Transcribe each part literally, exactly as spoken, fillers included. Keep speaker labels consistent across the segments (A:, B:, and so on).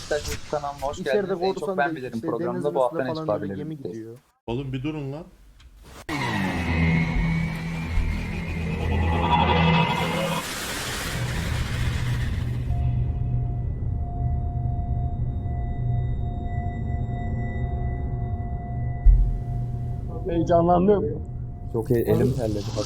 A: Beşiktaş YouTube kanalına hoş
B: İçeride
A: geldiniz. En çok
B: korsan
A: ben
B: da
A: bilirim
B: işte
A: programında
B: denizin
A: bu hafta
B: üstüne
A: Necip
B: falan böyle
A: abiyle
B: gemi
A: birlikteyiz.
B: gidiyor.
C: Oğlum bir durun lan.
B: Heyecanlandım.
A: Çok iyi, elim terledi bak.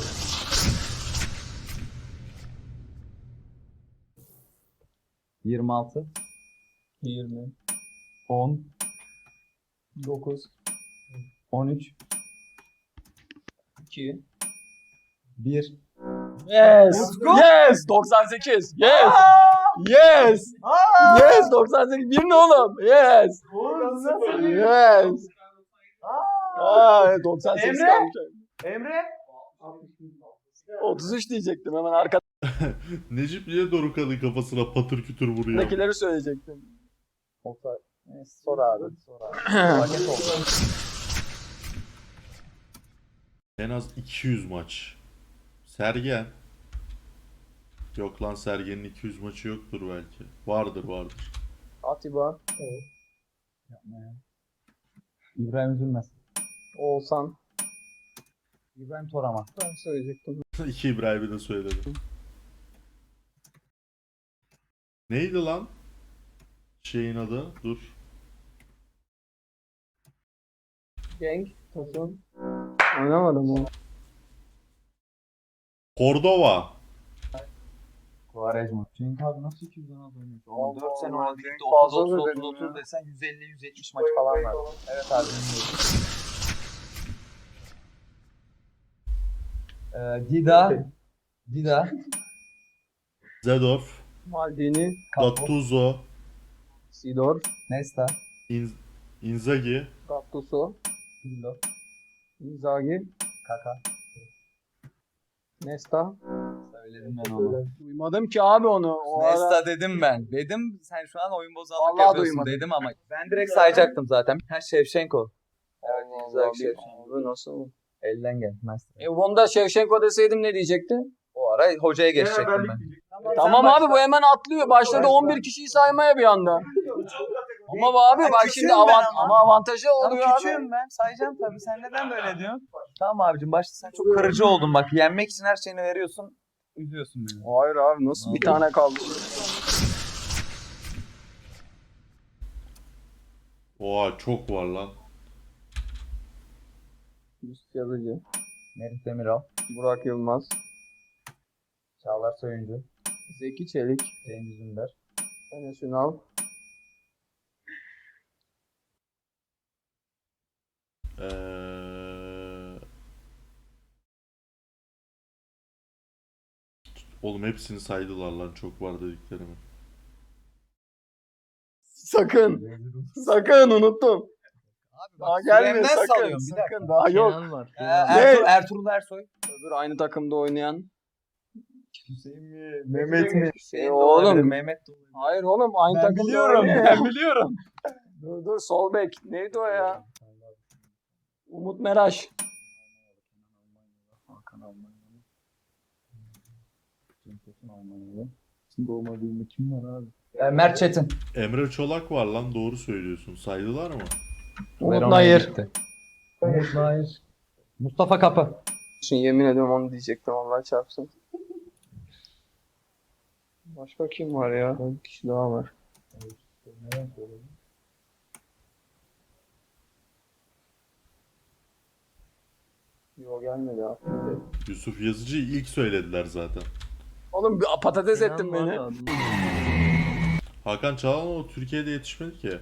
A: yirmi altı,
B: yirmi,
A: on,
B: dokuz,
A: on üç,
B: iki.
A: bir.
B: Yes! Yes! doksan sekiz! Yes! Yes! Yes! doksan sekiz! Bir ne oğlum? Yes! Yes! Aa, doksan sekiz
D: Emre?
B: kalmış.
D: Emre?
B: otuz üç diyecektim hemen arkadakileri
C: Necip niye Dorukhan'ın kafasına patır kütür vuruyor?
B: söyleyecektim.
A: Oktay. Neyse, sor abi. Sor abi. Paket oldu.
C: En az iki yüz maç. Sergen. Yok lan Sergen'in iki yüz maçı yoktur belki. Vardır vardır.
B: Atiba,
A: Yapma ya. İbrahim Üzülmez.
B: Oğuzhan.
A: İbrahim Toraman.
B: Ben söyleyecektim.
C: İki İbrahim'i de söyledim. Neydi lan? Şeyin adı? Dur.
B: Genk, Tosun. Oynamadım o.
C: Cordova.
A: Quaresma. Cenk abi nasıl iki yüzden az oynuyor? Oğlum dört sene
B: Allah,
A: oynadı
B: Cenk
A: gitti.
B: fazla
A: otuz otuz
B: dedim
A: otuz
B: ya.
A: otuz desen yüz elli yüz yetmiş maç falan var. Evet abi dinliyorum. Ee, Dida. Dida.
C: Zedorf.
B: Maldini,
C: Gattuso.
B: Sidor,
A: Nesta.
C: In Inzaghi.
B: Gattuso,
A: Pirlo.
B: Inzaghi,
A: Kaka.
B: Nesta.
A: Söyledim ben onu.
B: Duymadım ki abi onu. O
A: Nesta
B: ara...
A: dedim ben. Dedim sen şu an oyun bozanlık
B: Vallahi
A: yapıyorsun
B: duymadım.
A: dedim ama. Ben direkt sayacaktım zaten. Ha Şevşenko. Evet
B: Allah
A: Inzaghi
B: Allah,
A: Şevşenko.
B: abi nasıl?
A: Elden gelmez.
B: E Vonda Şevşenko deseydim ne diyecekti?
A: O ara hocaya geçecektim ben.
B: Tamam abi bu hemen atlıyor. Başladı on bir kişiyi saymaya bir anda. Ama bu abi bak
A: küçüğüm
B: şimdi
A: ben
B: avant
A: ama.
B: ama avantajı oluyor
A: Tamam
B: abi.
A: küçüğüm ben sayacağım tabii. Sen neden böyle diyorsun? Tamam abicim başta sen çok kırıcı oldun bak. Yenmek için her şeyini veriyorsun. Üzüyorsun beni.
B: Hayır abi nasıl bir
A: Vallahi.
B: tane kaldı?
C: Oha çok var lan.
B: Yusuf Yazıcı,
A: Merih Demiral.
B: Burak Yılmaz,
A: Çağlar Soyuncu.
B: Zeki Çelik,
A: Cengiz Ünder.
B: Enes Ünal,
C: Ee... Oğlum hepsini saydılar lan çok var dediklerimi.
B: sakın. Sakın unuttum.
A: Abi
B: Daha gelmiyor sakın.
A: salıyorum bir dakika.
B: Sakın daha yok.
A: Ee, Ertuğrul, Ertuğrul Ersoy.
B: Öbür aynı takımda oynayan.
A: Hüseyin mi? Mehmet mi?
B: E, oğlum.
A: Mehmet de olabilir.
B: Hayır oğlum aynı
A: Ben
B: takımda
A: biliyorum,
B: oynayan.
A: ben biliyorum.
B: Dur dur sol bek. Neydi o ya? Umut Meraş.
A: Hakan Almanyalı. Cem Tosun Almanyalı. Şimdi olmadığında kim var abi? Ee, Mert Çetin.
C: Emre Çolak var lan doğru söylüyorsun. Saydılar mı?
B: Umut
A: Verona'ya
B: Nayır.
A: gitti. Umut Nayır. Mustafa Kapı.
B: Şimdi yemin ediyorum onu diyecektim Allah çarpsın. Başka kim var ya? Bir kişi daha var.
A: Neden söyledin?
B: Yok gelmedi abi.
C: Yusuf Yazıcı'yı ilk söylediler zaten.
B: Oğlum bir patates ettin beni.
C: Hakan Çalhanoğlu Türkiye'de yetişmedi ki.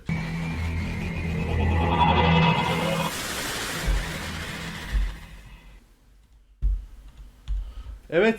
C: Evet.